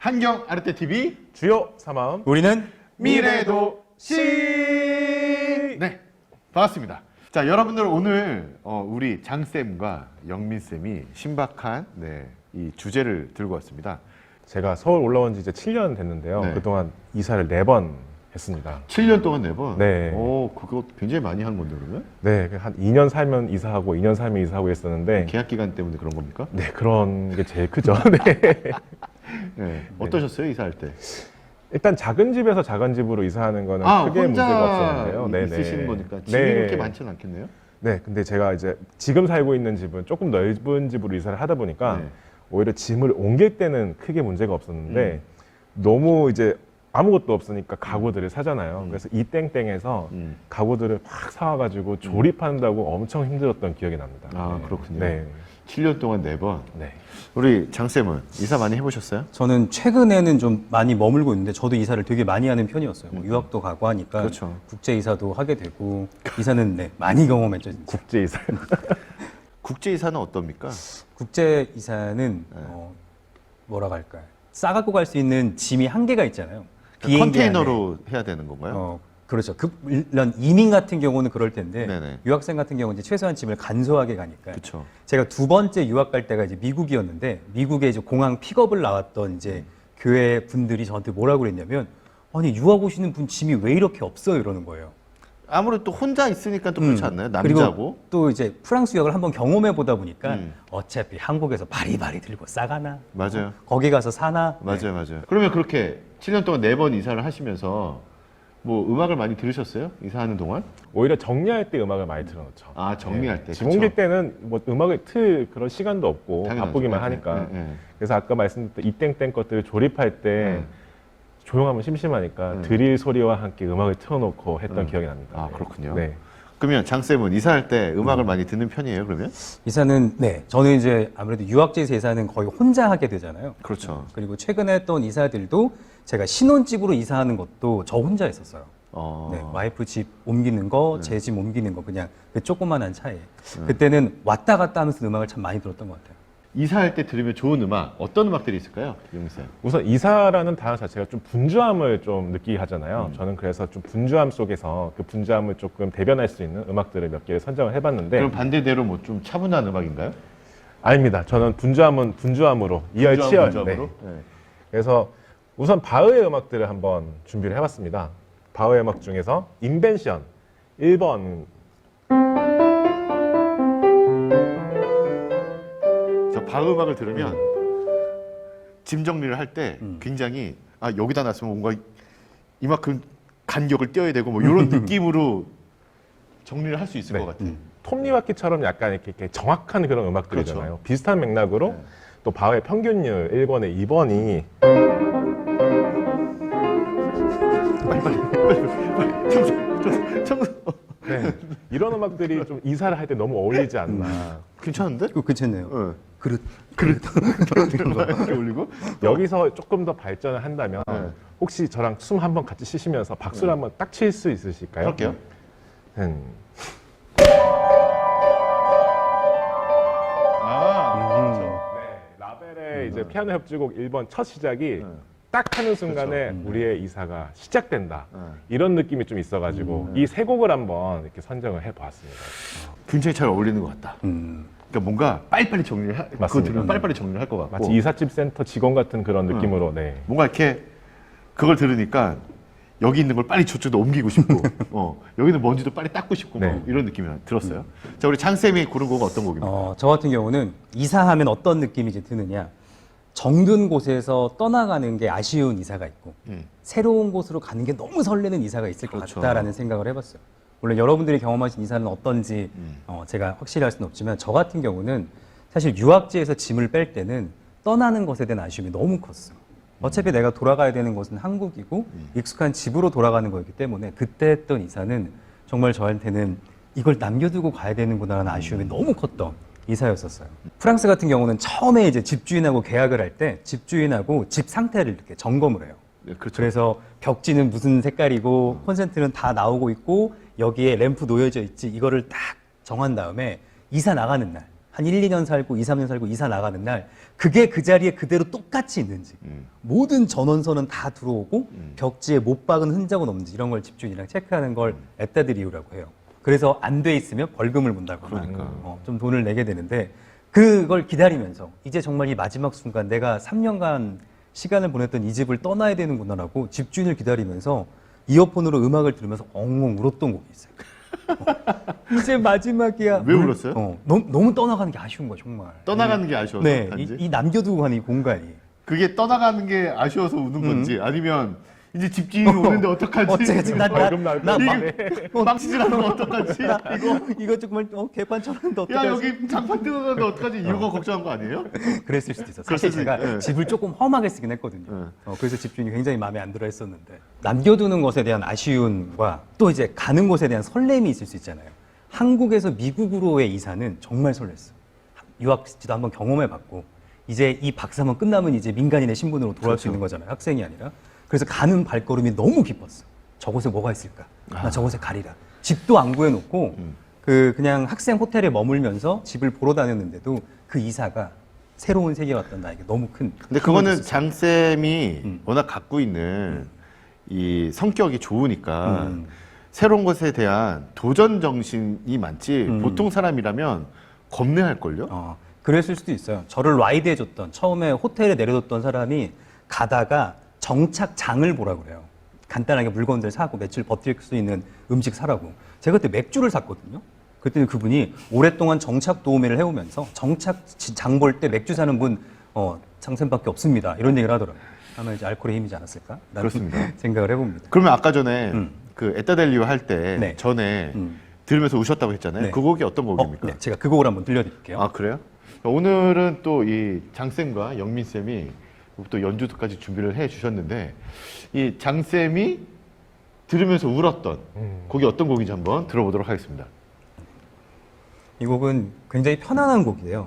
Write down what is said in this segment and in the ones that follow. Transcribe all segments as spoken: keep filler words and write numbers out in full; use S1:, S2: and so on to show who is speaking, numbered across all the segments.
S1: 한경 아르테 티비
S2: 주요 삼마음
S3: 우리는
S1: 미래도시. 네, 반갑습니다. 자, 여러분들 오늘 어, 우리 장쌤과 영민쌤이 신박한 네, 이 주제를 들고 왔습니다.
S2: 제가 서울 올라온 지 이제 칠 년 됐는데요.
S1: 네.
S2: 그동안 이사를 네 번 했습니다.
S1: 칠 년 동안 네 번?
S2: 네.
S1: 오, 그거 굉장히 많이 한 건데, 그러면?
S2: 네, 한 이 년 살면 이사하고 이 년 살면 이사하고 했었는데
S1: 계약 기간 때문에 그런 겁니까?
S2: 네, 그런 게 제일 크죠. 네.
S1: 네. 어떠셨어요, 이사할 때?
S2: 일단 작은 집에서 작은 집으로 이사하는 거는
S1: 아,
S2: 크게
S1: 혼자
S2: 문제가 없었는데요. 네,
S1: 있으시는
S2: 네.
S1: 거니까 집이
S2: 네.
S1: 그렇게 많지는 않겠네요?
S2: 네, 근데 제가 이제 지금 살고 있는 집은 조금 넓은 집으로 이사를 하다 보니까
S1: 네.
S2: 오히려 짐을 옮길 때는 크게 문제가 없었는데
S1: 음.
S2: 너무 이제 아무것도 없으니까 가구들을 사잖아요.
S1: 음.
S2: 그래서 이 땡땡에서
S1: 음.
S2: 가구들을 막 사와가지고 조립한다고 엄청 힘들었던 기억이 납니다.
S1: 아,
S2: 네.
S1: 그렇군요.
S2: 네.
S1: 칠 년 동안 네 번.
S2: 네.
S1: 우리 장쌤은 이사 많이 해보셨어요?
S3: 저는 최근에는 좀 많이 머물고 있는데 저도 이사를 되게 많이 하는 편이었어요. 뭐 유학도 가고 하니까
S1: 그렇죠.
S3: 국제 이사도 하게 되고 이사는 네, 많이 경험했죠. 진짜.
S2: 국제 이사.
S1: 국제 이사는 어떻습니까?
S3: 국제 이사는 어, 뭐라고 할까요? 싸갖고 갈 수 있는 짐이 한계가 있잖아요. 비행기 안에.
S1: 컨테이너로 해야 되는 건가요?
S3: 어, 그렇죠. 그, 물론 이민 같은 경우는 그럴 텐데
S1: 네네.
S3: 유학생 같은 경우는 이제 최소한 짐을 간소하게 가니까.
S1: 그렇죠.
S3: 제가 두 번째 유학 갈 때가 이제 미국이었는데 미국에 이제 공항 픽업을 나왔던 이제 교회 분들이 저한테 뭐라고 그랬냐면 아니 유학 오시는 분 짐이 왜 이렇게 없어요 이러는 거예요.
S1: 아무래도 또 혼자 있으니까 또 그렇지 않나요?
S3: 음. 그리고
S1: 남자고.
S3: 또 이제 프랑스 유학을 한번 경험해 보다 보니까
S1: 음.
S3: 어차피 한국에서 바리바리 들고 싸가나
S1: 맞아요.
S3: 거기 가서 사나.
S1: 맞아요,
S3: 네.
S1: 맞아요. 그러면 그렇게 칠 년 동안 네 번 이사를 하시면서 뭐 음악을 많이 들으셨어요? 이사하는 동안?
S2: 오히려 정리할 때 음악을 많이 틀어놓죠.
S1: 아, 정리할 때.
S2: 짐
S1: 그쵸.
S2: 옮길 때는 뭐 음악을 틀 그런 시간도 없고
S1: 당연하죠.
S2: 바쁘기만
S1: 네,
S2: 하니까.
S1: 네, 네.
S2: 그래서 아까 말씀드렸던 이 땡땡 것들을 조립할 때
S1: 네.
S2: 조용하면 심심하니까
S1: 네.
S2: 드릴 소리와 함께 음악을 틀어놓고 했던
S1: 네.
S2: 기억이 납니다.
S1: 아,
S2: 네.
S1: 그렇군요.
S2: 네.
S1: 그러면 장쌤은 이사할 때 음악을 많이 듣는 편이에요, 그러면?
S3: 이사는 네 저는 이제 아무래도 유학지에서 이사는 거의 혼자 하게 되잖아요.
S1: 그렇죠.
S3: 그리고 최근에 했던 이사들도 제가 신혼집으로 이사하는 것도 저 혼자 했었어요.
S1: 어.
S3: 네, 와이프 집 옮기는 거,
S1: 네.
S3: 제 집 옮기는 거 그냥 그 조그만한 차에 그때는 왔다 갔다 하면서 음악을 참 많이 들었던 것 같아요.
S1: 이사할 때 들으면 좋은 음악, 어떤 음악들이 있을까요, 용쌤?
S2: 우선 이사라는 단어 자체가 좀 분주함을 좀 느끼게 하잖아요.
S1: 음.
S2: 저는 그래서 좀 분주함 속에서 그 분주함을 조금 대변할 수 있는 음악들을 몇 개를 선정을 해봤는데
S1: 그럼 반대대로 뭐 좀 차분한 음악인가요?
S2: 아닙니다. 저는 분주함은 분주함으로 이열치열.
S1: 분주함으로?
S2: 네.
S1: 네.
S2: 그래서 우선 바흐의 음악들을 한번 준비를 해봤습니다. 바흐의 음악 중에서 인벤션 일 번.
S1: 저 바흐 음악을 들으면 짐 정리를 할 때
S3: 음.
S1: 굉장히 아 여기다 놨으면 뭔가 이만큼 간격을 띄어야 되고 뭐 이런 느낌으로 정리를 할 수 있을
S2: 네.
S1: 것 같아요.
S3: 음.
S2: 톱니바퀴처럼 약간 이렇게, 이렇게 정확한 그런 음악들이잖아요.
S1: 그렇죠.
S2: 비슷한 맥락으로
S1: 네.
S2: 또 바흐의 평균율 일 번에 이 번이
S1: 빨리 빨리 빨리 빨리 청소 청소 청소.
S2: 네. 이런 음악들이 좀 이사를 할 때 너무 어울리지 않나.
S1: 괜찮은데?
S3: 그거 괜찮네요.
S1: 응.
S3: 그릇.
S1: 이런 거 이렇게 올리고.
S2: 여기서 조금 더 발전을 한다면
S1: 네.
S2: 혹시 저랑 숨 한번 같이 쉬시면서 박수를 한번 딱 칠 수 있으실까요?
S1: 그럴게요.
S2: 음.
S1: 아.
S2: 네, 라벨의 이제 피아노 협주곡 일 번 첫 시작이
S1: 네.
S2: 딱 하는 순간에
S3: 그렇죠.
S2: 우리의 이사가 시작된다.
S1: 네.
S2: 이런 느낌이 좀 있어가지고 이 세 곡을 한번 이렇게 선정을 해보았습니다.
S1: 굉장히 잘 어울리는 것 같다.
S3: 음.
S1: 그러니까 뭔가 빨리빨리 정리를 하, 그거
S2: 맞습니다.
S1: 들으면 빨리빨리 정리를 할 것 같고
S2: 마치 이삿짐 센터 직원 같은 그런 느낌으로 네.
S1: 뭔가 이렇게 그걸 들으니까 여기 있는 걸 빨리 저쪽으로 옮기고 싶고 어, 여기는 먼지도 빨리 닦고 싶고
S2: 네.
S1: 뭐 이런 느낌이 들었어요. 자, 우리 장쌤이 고른 곡은 어떤 곡입니까?
S3: 어, 저 같은 경우는 이사하면 어떤 느낌이 이제 드느냐. 정든 곳에서 떠나가는 게 아쉬운 이사가 있고
S1: 음.
S3: 새로운 곳으로 가는 게 너무 설레는 이사가 있을 것
S1: 그렇죠.
S3: 같다라는 생각을 해봤어요. 물론 여러분들이 경험하신 이사는 어떤지
S1: 음.
S3: 어, 제가 확실히 할 수는 없지만 저 같은 경우는 사실 유학지에서 짐을 뺄 때는 떠나는 것에 대한 아쉬움이 너무 컸어요. 어차피 내가 돌아가야 되는 곳은 한국이고
S1: 음.
S3: 익숙한 집으로 돌아가는 거였기 때문에 그때 했던 이사는 정말 저한테는 이걸 남겨두고 가야 되는구나라는 아쉬움이
S1: 음.
S3: 너무 컸던 이사였었어요. 프랑스 같은 경우는 처음에 이제 집주인하고 계약을 할 때 집주인하고 집 상태를 이렇게 점검을 해요.
S1: 네, 그렇죠.
S3: 그래서 벽지는 무슨 색깔이고 콘센트는 다 나오고 있고 여기에 램프 놓여져 있지 이거를 딱 정한 다음에 이사 나가는 날 한 일, 이 년 살고 이, 삼 년 살고 이사 나가는 날 그게 그 자리에 그대로 똑같이 있는지
S1: 음.
S3: 모든 전원선은 다 들어오고
S1: 음.
S3: 벽지에 못 박은 흔적은 없는지 이런 걸 집주인이랑 체크하는 걸 앱다들 이유라고 해요. 그래서 안 돼 있으면 벌금을 문다거나
S1: 그러니까.
S3: 어, 좀 돈을 내게 되는데 그걸 기다리면서 이제 정말 이 마지막 순간 내가 삼 년간 시간을 보냈던 이 집을 떠나야 되는구나라고 집주인을 기다리면서 이어폰으로 음악을 들으면서 엉엉 울었던 곡이 있어요. 어, 이제 마지막이야.
S1: 왜 울었어요?
S3: 어, 너무, 너무 떠나가는 게 아쉬운 거야 정말.
S1: 떠나가는 게 아쉬워서
S3: 네,
S1: 단지?
S3: 이, 이 남겨두고 가는 이 공간이.
S1: 그게 떠나가는 게 아쉬워서 우는 건지 아니면 이제 집주인이 오는데 어떡하지?
S3: 어쩌겠지? 나, 나,
S2: 벌금 나올
S3: 나,
S2: 거
S3: 막-
S2: 아니에요.
S1: 이게 망치질 않으면 어떡하지?
S3: 이거 이거 정말 어, 개판 쳤는데 어떡하지?
S1: 야 여기 장판 뜯어가는데 어떡하지? 이거 걱정한 거 아니에요?
S3: 그랬을 수도 있어.
S1: 그랬을
S3: 사실
S1: 수
S3: 제가
S1: 있- 예.
S3: 집을 조금 험하게 쓰긴 했거든요.
S1: 예.
S3: 어, 그래서 집주인이 굉장히 마음에 안 들어 했었는데 남겨두는 것에 대한 아쉬움과 또 이제 가는 곳에 대한 설렘이 있을 수 있잖아요. 한국에서 미국으로의 이사는 정말 설렜어. 유학지도 한번 경험해봤고 이제 이 박사만 끝나면 이제 민간인의 신분으로 돌아올 수 있는 거잖아요. 학생이 아니라. 그래서 가는 발걸음이 너무 기뻤어. 저곳에 뭐가 있을까? 나 저곳에 가리라. 집도 안 구해놓고
S1: 음.
S3: 그 그냥 학생 호텔에 머물면서 집을 보러 다녔는데도 그 이사가 새로운 세계에 왔던 나에게 너무 큰.
S1: 근데
S3: 힘을
S1: 그거는
S3: 줬었어요.
S1: 장 쌤이
S3: 음.
S1: 워낙 갖고 있는 이 성격이 좋으니까
S3: 음.
S1: 새로운 것에 대한 도전 정신이 많지
S3: 음.
S1: 보통 사람이라면 겁내할 걸요.
S3: 어, 그랬을 수도 있어요. 저를 라이드 해줬던 처음에 호텔에 내려뒀던 사람이 가다가 정착장을 보라 그래요. 간단하게 물건들 사고 며칠 버틸 수 있는 음식 사라고. 제가 그때 맥주를 샀거든요. 그랬더니 그분이 오랫동안 정착 도우미를 해오면서 정착장 볼 때 맥주 사는 분 어, 장쌤밖에 없습니다. 이런 얘기를 하더라고요. 아마 이제 알코올의 힘이지 않았을까? 라는
S1: 그렇습니다.
S3: 생각을 해봅니다.
S1: 그러면 아까 전에
S3: 음.
S1: 그 에따델리오 할 때
S3: 네.
S1: 전에
S3: 음.
S1: 들으면서 우셨다고 했잖아요.
S3: 네.
S1: 그 곡이 어떤
S3: 어,
S1: 곡입니까?
S3: 네, 제가 그 곡을 한번 들려드릴게요.
S1: 아 그래요? 오늘은 또 이 장쌤과 영민쌤이 또 연주까지 준비를 해 주셨는데 이 장쌤이 들으면서 울었던
S2: 음.
S1: 곡이 어떤 곡인지 한번 들어보도록 하겠습니다.
S3: 이 곡은 굉장히 편안한 곡이에요.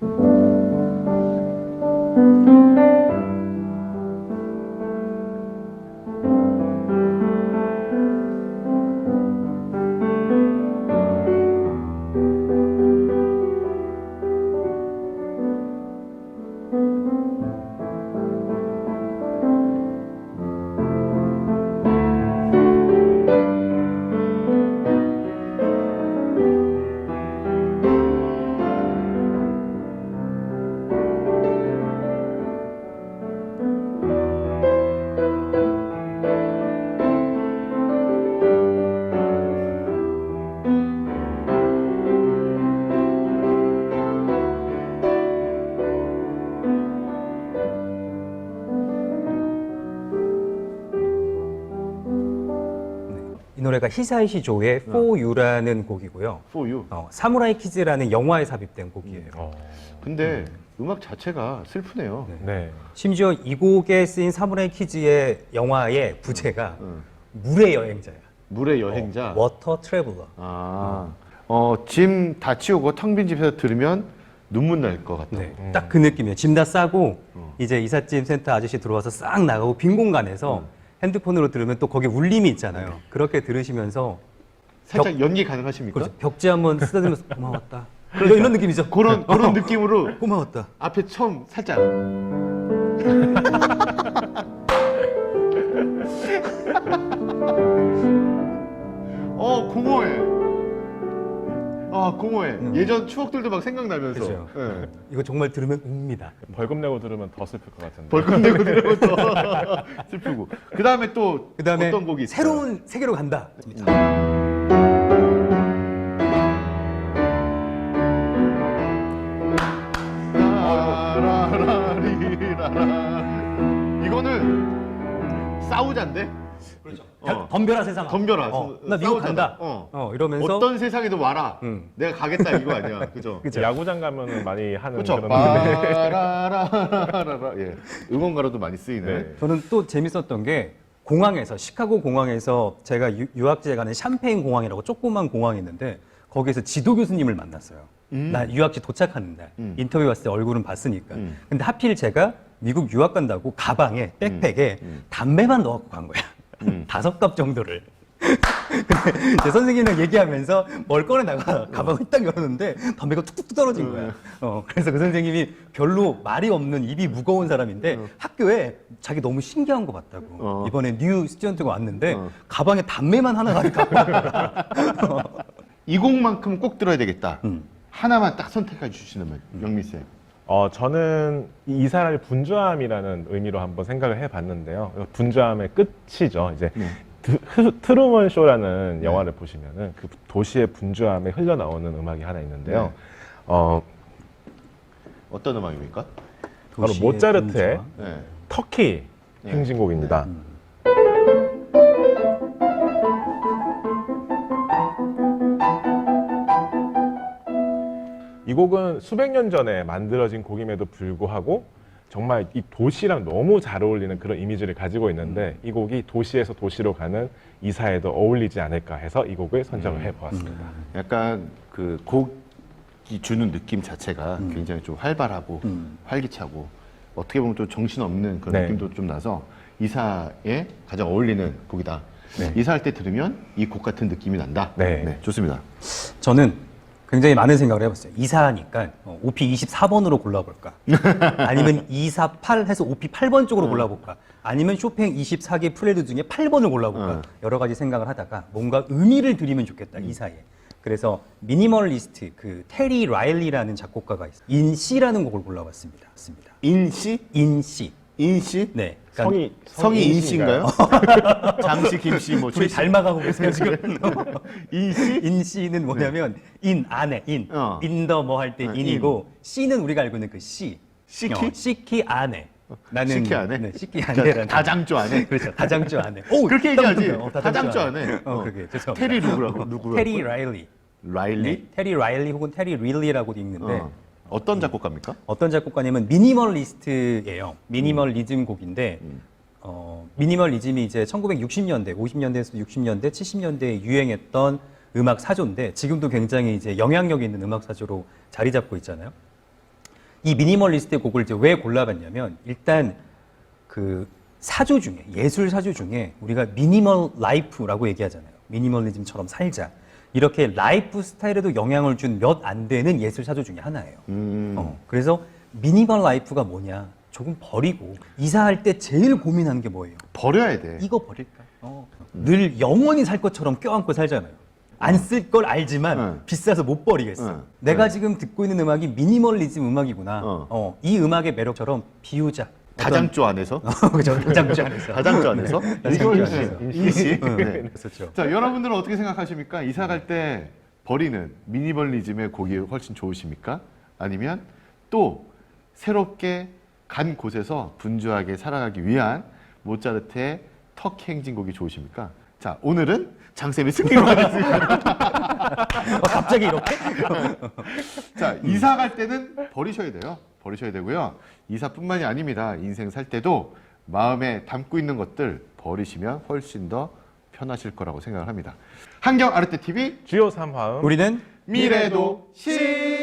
S3: 이 노래가 히사이시 조의 For You라는 곡이고요.
S1: For You.
S3: 어, 사무라이 키즈라는 영화에 삽입된 곡이에요.
S2: 어,
S1: 근데 음. 악 자체가 슬프네요.
S3: 네.
S2: 네.
S3: 심지어 이 곡에 쓰인 사무라이 키즈의 영화의 부제가
S1: 음.
S3: 물의 여행자야.
S1: 물의 여행자.
S3: 워터 트래블러.
S1: 아, 어, 짐 다 치우고 텅 빈 집에서 들으면 눈물 날 것 같다.
S3: 네,
S2: 음.
S3: 딱 그 느낌이에요. 짐 다 싸고
S1: 어.
S3: 이제 이삿짐 센터 아저씨 들어와서 싹 나가고 빈 공간에서
S1: 음.
S3: 핸드폰으로 들으면 또 거기에 울림이 있잖아요. 그렇게 들으시면서
S1: 살짝 연기 가능하십니까?
S3: 그렇죠. 벽지 한번 쓰다듬으면서 고마웠다. 이런, 이런 느낌이죠.
S1: 그런 그런 느낌으로
S3: 고마웠다.
S1: 앞에 처음 살짝 어 공허해. 아 공허해.
S3: 음.
S1: 예전 추억들도 막 생각나면서.
S3: 그렇죠.
S1: 예.
S3: 이거 정말 들으면 웁니다.
S2: 벌금 내고 들으면 더 슬플 것 같은데.
S1: 벌금 내고 들으면 더 슬프고. 그 다음에 또
S3: 그 다음에
S1: 어떤 곡이 있어요?
S3: 새로운 세계로 간다.
S1: 라라리라라. 이거는 싸우자인데?
S3: 그렇죠.
S1: 어.
S3: 덤벼라 세상아.
S1: 덤벼라.
S3: 어, 나 미국
S1: 싸우잖아.
S3: 간다.
S1: 어.
S3: 어, 이러면서
S1: 어떤 세상에도 와라.
S3: 음.
S1: 내가 가겠다 이거 아니야. 그죠?
S3: 그죠.
S2: 야구장 가면은 많이 하는
S1: 그렇죠.
S2: 그런 노래.
S1: 빠라라라라라. 예. 응원가로도 많이 쓰이는.
S2: 네.
S3: 저는 또 재밌었던 게 공항에서 시카고 공항에서 제가 유, 유학지에 가는 샴페인 공항이라고 조그만 공항이 있는데 거기에서 지도 교수님을 만났어요.
S1: 음.
S3: 나 유학지 도착하는 날
S1: 음.
S3: 인터뷰 왔을 때 얼굴은 봤으니까.
S1: 음.
S3: 근데 하필 제가 미국 유학 간다고 가방에 백팩에
S1: 음.
S3: 담배만 넣어갖고 간 거야.
S1: 음.
S3: 다섯 갑 정도를. 근데 제 선생님이랑 얘기하면서 뭘 꺼내다가 가방을 딱 열었는데 담배가 툭툭 떨어진 거야. 어, 그래서 그 선생님이 별로 말이 없는 입이 무거운 사람인데 학교에 자기 너무 신기한 거 봤다고.
S1: 어.
S3: 이번에 뉴 스튜던트가 왔는데
S1: 어.
S3: 가방에 담배만 하나 가지고
S1: 이 곡만큼 꼭 들어야 되겠다.
S3: 음.
S1: 하나만 딱 선택해 주시면 영민 쌤.
S2: 어, 저는 이 이사를 분주함이라는 의미로 한번 생각을 해봤는데요. 분주함의 끝이죠. 이제
S1: 네.
S2: 드, 흐- 트루먼 쇼라는 영화를 보시면은 그 도시의 분주함에 흘러나오는 음악이 하나 있는데요.
S1: 네.
S2: 어,
S1: 어떤 음악입니까?
S2: 바로
S3: 도시의
S2: 모차르트의
S3: 분주함.
S1: 네.
S2: 터키
S1: 네.
S2: 행진곡입니다. 이 곡은 수백 년 전에 만들어진 곡임에도 불구하고 정말 이 도시랑 너무 잘 어울리는 그런 이미지를 가지고 있는데 이 곡이 도시에서 도시로 가는 이사에도 어울리지 않을까 해서 이 곡을 선정을 해보았습니다.
S1: 약간 그 곡이 주는 느낌 자체가 굉장히 좀 활발하고
S3: 음.
S1: 활기차고 어떻게 보면 또 정신없는 그런
S2: 네.
S1: 느낌도 좀 나서 이사에 가장 어울리는 곡이다.
S2: 네. 이사할
S1: 이사할 때 들으면 이 곡 같은 느낌이 난다.
S2: 네.
S1: 좋습니다.
S3: 저는 굉장히 많은 생각을 해봤어요. 이사하니까 오피 이십사 번으로 골라볼까? 아니면 이사팔 해서 오피 팔 번 쪽으로 골라볼까? 아니면 쇼팽 이십사 개 프렐루드 중에 팔 번을 골라볼까?
S1: 어.
S3: 여러 가지 생각을 하다가 뭔가 의미를 드리면 좋겠다, 이 사이에. 그래서 미니멀리스트 그 테리 라일리라는 작곡가가 있어요. 인 씨라는 곡을 골라봤습니다. 맞습니다.
S1: 인씨?
S3: 인씨.
S1: 인씨?
S3: 네. 그러니까
S2: 성이
S1: 성이
S2: 인씨인가요?
S1: 인씨인가요? 장씨, 김씨, 뭐
S3: 둘이
S1: 최씨.
S3: 닮아가고 계세요 지금.
S1: 인씨?
S3: 인 씨는 뭐냐면 인 안에 인
S1: 어.
S3: 인더 뭐 할 때
S1: 어,
S3: 인이고 씨는 우리가 알고 있는 그 씨.
S1: 시키?
S3: 어, 시키 안에. 나는
S1: 시키 안에?
S3: 네, 시키
S1: 그러니까
S3: 안에라는
S1: 다장조 안에?
S3: 그렇죠. 다장조 안에. 오,
S1: 그렇게 얘기하지.
S3: 어,
S1: 다장조 안에.
S3: 어,
S1: 어.
S3: 그게 죄송합니다.
S1: 테리 누구라고? 누구라고?
S3: 테리 라일리.
S1: 라일리?
S3: 네, 테리 라일리 혹은 테리 릴리라고도 읽는데
S1: 어. 어떤 작곡가입니까?
S3: 어떤 작곡가냐면 미니멀리스트예요. 미니멀리즘 곡인데 어, 미니멀리즘이 이제 천구백육십 년대, 오십 년대에서 육십 년대, 칠십 년대에 유행했던 음악 사조인데 지금도 굉장히 이제 영향력 있는 음악 사조로 자리 잡고 있잖아요. 이 미니멀리스트의 곡을 이제 왜 골라봤냐면 일단 그 사조 중에 예술 사조 중에 우리가 미니멀 라이프라고 얘기하잖아요. 미니멀리즘처럼 살자. 이렇게 라이프 스타일에도 영향을 준 몇 안 되는 예술 사조 중에 하나예요.
S1: 음.
S3: 어, 그래서 미니멀 라이프가 뭐냐? 조금 버리고 이사할 때 제일 고민하는 게 뭐예요?
S1: 버려야 돼.
S3: 이거 버릴까? 어. 늘 영원히 살 것처럼 껴안고 살잖아요. 안 쓸 걸 알지만
S1: 응.
S3: 비싸서 못 버리겠어.
S1: 응.
S3: 내가
S1: 응.
S3: 지금 듣고 있는 음악이 미니멀리즘 음악이구나.
S1: 어.
S3: 어, 이 음악의 매력처럼 비우자.
S1: 다장조 안에서?
S3: 그죠? 다장주 안에서.
S1: 다장조 안에서?
S3: 다장주
S1: 인씨.
S3: 안에서.
S1: 인씨.
S3: 응,
S1: 네.
S3: 그렇죠.
S1: 자, 여러분들은 어떻게 생각하십니까? 이사 갈 때 버리는 미니멀리즘의 곡이 훨씬 좋으십니까? 아니면 또 새롭게 간 곳에서 분주하게 살아가기 위한 모차르트의 터키 행진곡이 좋으십니까? 자, 오늘은 장쌤이 승리로 하겠습니다.
S3: 어, 갑자기 이렇게?
S1: 자, 이사 갈 때는 버리셔야 돼요. 버리셔야 되고요. 이사뿐만이 아닙니다. 인생 살 때도 마음에 담고 있는 것들 버리시면 훨씬 더 편하실 거라고 생각을 합니다. 한경 아르떼 티비
S2: 주요 삼 화음
S3: 우리는
S1: 미래도 시